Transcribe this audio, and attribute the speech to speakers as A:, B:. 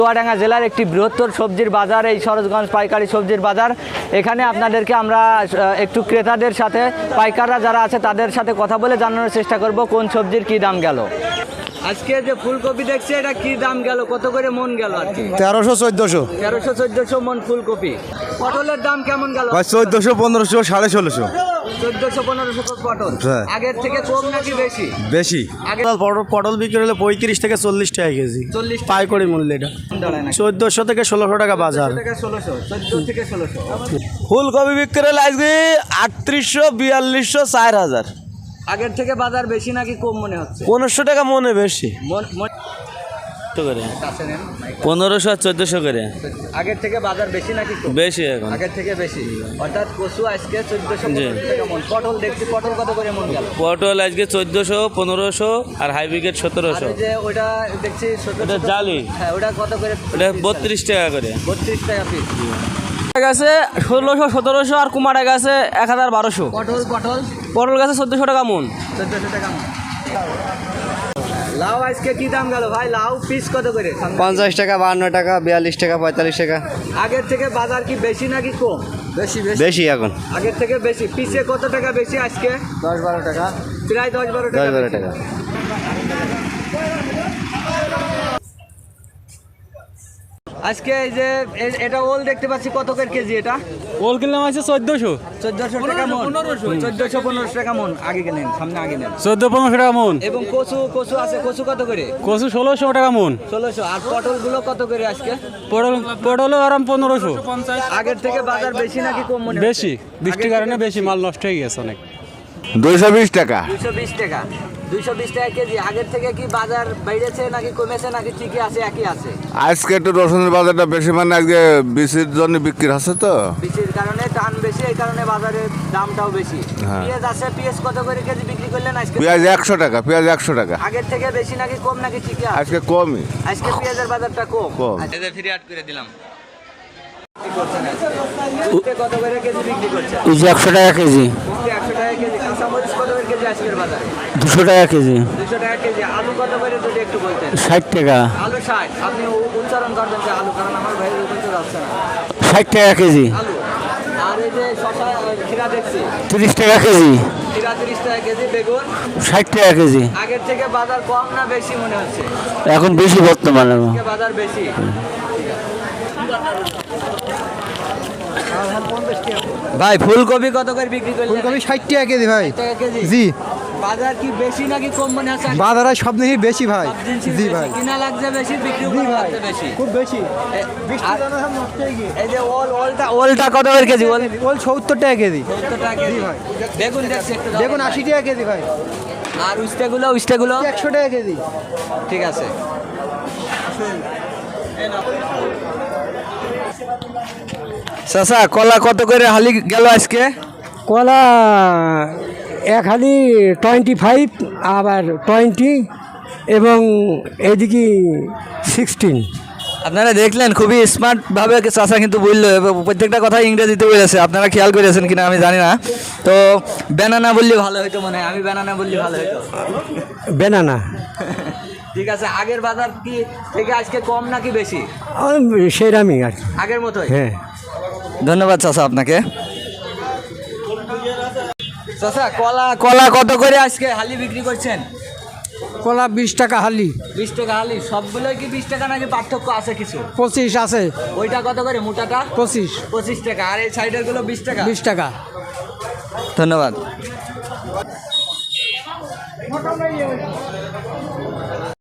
A: চুয়াডাঙ্গা জেলার একটি বৃহত্তর সবজির বাজার এই সরোজগঞ্জ পাইকারি সবজির বাজার। এখানে আপনাদেরকে আমরা একটু ক্রেতাদের সাথে পাইকাররা যারা আছে তাদের সাথে কথা বলে জানানোর চেষ্টা করব কোন সবজির কি দাম গেল। আজকে যে ফুলকপি দেখছি এটা কি দাম গেল, কত করে মন গেল?
B: 1300-1400
A: 1300-1400 মন ফুলকপি। পটলের দাম কেমন গেল?
B: 1400-1500 1650
A: 1400-1500 পটল। আগের থেকে কম নাকি বেশি?
B: বেশি।
C: পটল বিক্রি হলে 35 থেকে 40 টাকা কেজি, পাইকারি মূল্য। এটা 1400 থেকে 1600 টাকা বাজার।
A: 14 থেকে 1600।
C: ফুলকপি বিক্রি হলে আজকে 3800 4200 4000।
A: আগের থেকে বাজার বেশি নাকি কম মনে হচ্ছে?
C: 1500 টাকা মনে বেশি, 1500 আর 1400 করে।
A: আগের থেকে বাজার বেশি নাকি কম?
C: বেশি এখন,
A: আগের থেকে বেশি। অর্থাৎ কচু আজকে 1400 টাকা মন। পটল দেখছি, পটল কত করে মন গেল?
C: পটল আজকে 1400 1500 আর হাইব্রিড 1700।
A: যে ওটা দেখছি
C: এটা জালি,
A: হ্যাঁ ওটা কত করে?
C: ওটা 32 টাকা করে।
A: 32 টাকা পিস।
D: গেছে 1600 1700 আর কুমারে গেছে 101200। পটল গেছে 1400 টাকা মন।
A: 1400 টাকা মন। লাউ আজকে কি দাম গেল ভাই? লাউ পিস কত করে?
B: 50 টাকা 52 টাকা 42 টাকা 45 টাকা।
A: আগের থেকে বাজার কি বেশি নাকি কম?
B: বেশি এখন,
A: আগের থেকে বেশি। পিসে কত টাকা বেশি আজকে?
B: 10-12 টাকা,
A: প্রায় 10-12 টাকা।
B: 10-12 টাকা।
A: আজকে এই যে এটা ওল দেখতে পাচ্ছি, কত করে কেজি এটা?
D: ওল কিনলাম আছে 1400
A: টাকা মন। 1400-1500 টাকা মন। আগে কেনেন, সামনে আগে নেন।
D: 1400-1500 টাকা মন।
A: এবং কচু আছে, কচু কত করে?
D: কচু 1600 টাকা মন।
A: 1600। আর পটলগুলো কত করে আজকে?
D: পটল আরাম 1500।
A: আগের থেকে বাজার বেশি নাকি কম মনে?
D: বেশি, বৃষ্টির কারণে বেশি, মাল নষ্ট হয়ে গেছে অনেক।
B: 220 টাকা।
A: 220 টাকা। 220 টাকা কেজি। আগের থেকে কি বাজার বেড়েছে নাকি কমেছে নাকি ঠিকই আছে, একই আছে?
B: আজকে একটু রসুনের বাজারটা বেশি, মানে আজকে বিচির জন্য বিক্রি হচ্ছে তো,
A: বিচির কারণে টান বেশি, এই কারণে বাজারের দামটাও বেশি। পেঁয়াজ আছে, পেঁয়াজ কত করে কেজি বিক্রি করলেন আজকে?
B: পেঁয়াজ 100 টাকা, পেঁয়াজ 100 টাকা।
A: আগের থেকে বেশি নাকি কম নাকি ঠিকই আছে?
B: আজকে কমই।
A: আজকে পেঁয়াজের বাজারটা কম। এদের ফ্রি আট করে দিলাম। কত করে কেজি বিক্রি করছেন?
D: 100 টাকা কেজি।
A: 100 টাকা কেজি। কাঁচামরিচ কত করে কেজি আজকের বাজারে?
D: 200 টাকা কেজি।
A: 200 টাকা কেজি। আলু কত করে যদি একটু বলতেন?
D: 60 টাকা।
A: আলু 60। আপনি উচ্চারণ করবেন যে আলু, কারণ আমার ভাইয়ের উপর তো যাচ্ছে না।
D: 60 টাকা কেজি।
A: আলু। আর এই যে শসা, খিরা দেখছি
D: 30 টাকা কেজি।
A: খিরা 30 টাকা কেজি। বেগুন
D: 60 টাকা কেজি।
A: আগের থেকে বাজার কম না বেশি মনে হচ্ছে?
D: এখন বেশি বর্তমানে।
A: বাজার বেশি। ভাই ফুলকপি কত করে বিক্রি করলেন?
E: ফুলকপি 60 টাকা কেজি ভাই।
A: 60 টাকা কেজি।
E: জি।
A: বাজার কি বেশি নাকি কম মনে হচ্ছে?
E: বাজারে সব থেকে বেশি ভাই। জি ভাই।
A: কিনা লাগছে বেশি, বিক্রি লাগছে বেশি।
E: খুব বেশি। বৃষ্টির জন্য সব নষ্ট হয়ে গিয়ে।
A: এই যে ওলটা কত করে কেজি?
E: ওল 70 টাকা কেজি।
A: 70 টাকা কেজি ভাই। বেগুন দেখছি একটু।
E: বেগুন 80 টাকা কেজি ভাই।
A: আর উস্তেগুলো
E: 100 টাকা কেজি।
A: ঠিক আছে। চাচা কলা কত করে হালি গেল আজকে?
F: কলা এক হালি 25, আবার 20 এবং এদিকে 16।
A: আপনারা দেখলেন খুবই স্মার্টভাবে চাচা কিন্তু বললো, প্রত্যেকটা কথা ইংরেজিতে বলেছে। আপনারা খেয়াল করেছেন কিনা আমি জানি না। তো ব্যানানা বললে ভালো হতো মনে হয়। আমি ব্যানানা বললে ভালো হতো।
F: বেনানা।
A: ঠিক আছে। আগের বাজার কি থেকে আজকে কম নাকি বেশি?
F: সেরামি আর কি।
A: আগের মতোই।
F: হ্যাঁ।
A: ধন্যবাদ চাচা আপনাকে। চাচা কলা কত করে আজকে হালি বিক্রি করছেন?
F: কলা 20 টাকা হালি।
A: 20 টাকা হালি। সবগুলোই কি 20 টাকা নাকি পার্থক্য আছে কিছু?
F: 25 আছে।
A: ওইটা কত করে মোটাটা?
F: 25
A: টাকা। আর এই সাইডের গুলো 20 টাকা।
F: 20 টাকা।
A: ধন্যবাদ।